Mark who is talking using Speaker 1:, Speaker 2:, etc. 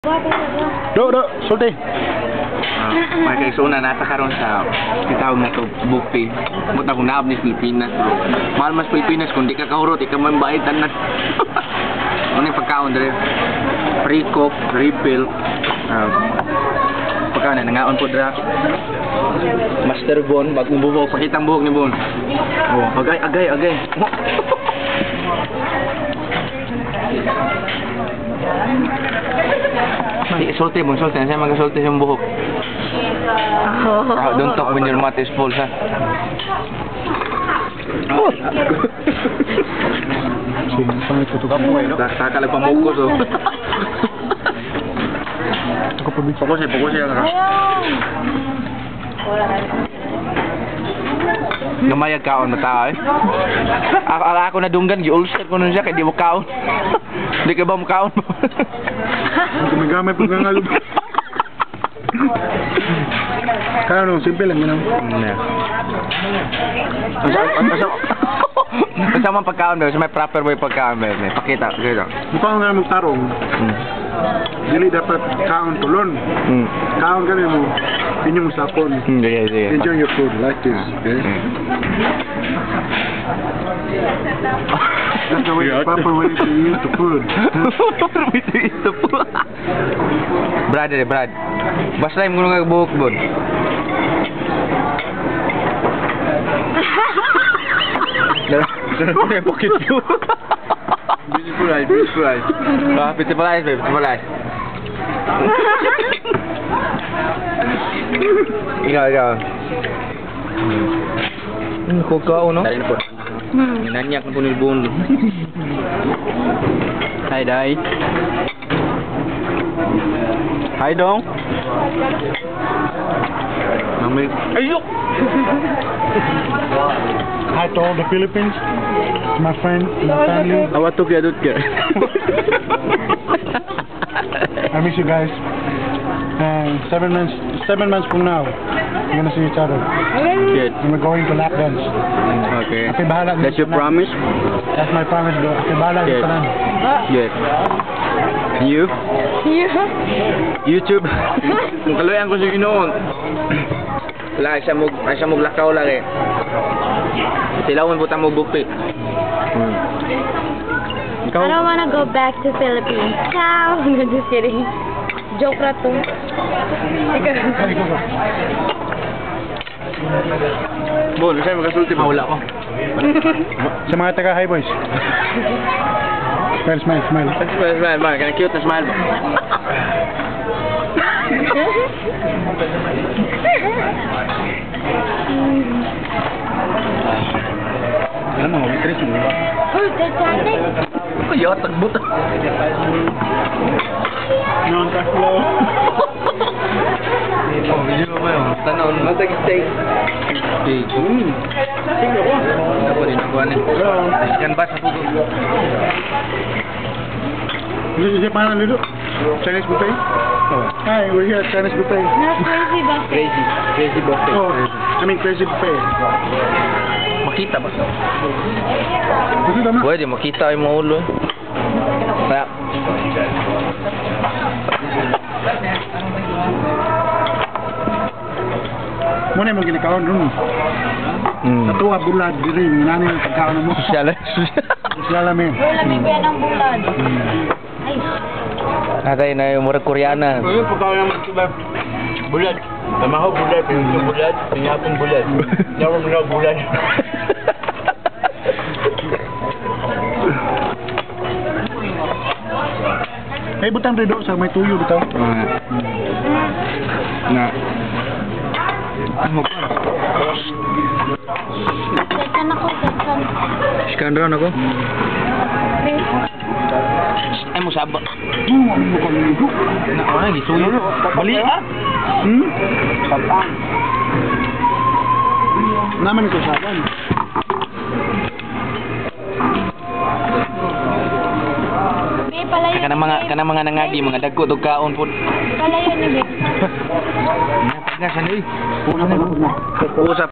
Speaker 1: Do, sulti.
Speaker 2: May kaigsunan nata karon sa kitawag na to buffet. Muta kung naab ni Pilipinas bro. Mahal mas Pilipinas kung di ka kahurot, ikaw man bayad tanan. Ano yung pagkaon dere? Free coke, refill. Pagkaon na nangaon po dra. Master Bon, bagong buhok, pakitang buhok ni Bon. Oh, agay. Sulti Bon, sulti. Saya mag-sulti yung buhok. Don't talk when your mouth is full, ha? Oh! Kakalag pamukos, oh. Fokus ya, kak. Gamayag kaon mata eh. Ako na dunggan gi-ulcer ko nun siya kay di mo kaon. Di ka ba mo kaon?
Speaker 1: Gumagamay pag nangalog. Kaya no, simple lang yun.
Speaker 2: Kasama pagkaon ba? May proper way pagkaon ba? Pakita.
Speaker 1: Mukha nga magtarong. Dili dapat kaon tulon. Kaon ka mo. Inyong sapon. Enjoy your food like this. Okay? That's the way, proper way to eat the food.
Speaker 2: Proper way to eat the food. Brad. Basta yung mga buhok Bon. Pocket view. Beautiful eyes. Beautiful eyes, babe. Beautiful eyes. Ikaw. Kukao, no? Dahil na po. Nanyak na po ni Bon. Hi, Dai. Hi, Dong. Mami. Ayok!
Speaker 1: Hi to all the Philippines, to my friends, my family.
Speaker 2: Awat to kaya dut ka.
Speaker 1: I miss you guys. And 7 months from now, we're gonna see each other.
Speaker 2: Good.
Speaker 1: And we're going to lap dance.
Speaker 2: Okay.
Speaker 1: Happy bahala.
Speaker 2: That's your promise?
Speaker 1: That's my promise, bro. Happy bahala.
Speaker 2: Good. Good. You? YouTube. Kung kaloyan ko sa ginoon. Wala, siya mo lakaw lang eh. Silawin po mo buffet.
Speaker 3: I don't wanna go back to Philippines. Ciao! I'm just kidding. Joke na to.
Speaker 2: Bon, sa'yo magkasulti ba? Wala ko.
Speaker 1: Sa mga taga hi boys. Smile.
Speaker 2: Smile. Kaya cute na smile ba?
Speaker 1: Alam mo, waitress mo ba?
Speaker 3: Oh, Titanic!
Speaker 2: Kaya, tagbot.
Speaker 1: Non-tackle.
Speaker 2: Oh, video mo yun. Tanon. Matag steak. Steak. Ako din ako anin. Ikan ba sa pugo?
Speaker 1: This is Japan, Lido. Chinese buffet. Oh. Hi, we're here at Chinese buffet.
Speaker 3: No, crazy buffet.
Speaker 2: Crazy buffet.
Speaker 1: Oh, I mean crazy buffet.
Speaker 2: Makita ba?
Speaker 1: Gusto naman.
Speaker 2: Pwede, makita yung mga ulo. Kaya.
Speaker 1: Muna yung ginakaon dun. Natuwa bulad diri, minani yung pagkaon mo.
Speaker 2: Sosyal.
Speaker 1: Sosyal namin.
Speaker 3: Nabibigyan ng bulan. Ay.
Speaker 2: Natay na yung murag Koreana.
Speaker 4: Ano pagkaon naman diba? Bulat. Tamaho bulat, pinutong bulat, pinyapong bulat. Nawang na bulat.
Speaker 1: Ay, butang redo sa may tuyo bitaw.
Speaker 2: Na. Ano pa?
Speaker 3: Sekan ako.
Speaker 2: Scan ron ako. Ay mo saba. Na ano gisuyo? Bali.
Speaker 1: Sapang. Naman ito saban.
Speaker 2: Kanang mga nangagi, mga dagko og kaon pud.
Speaker 3: Palayo ni Be.
Speaker 2: Pagnasan ni. Usap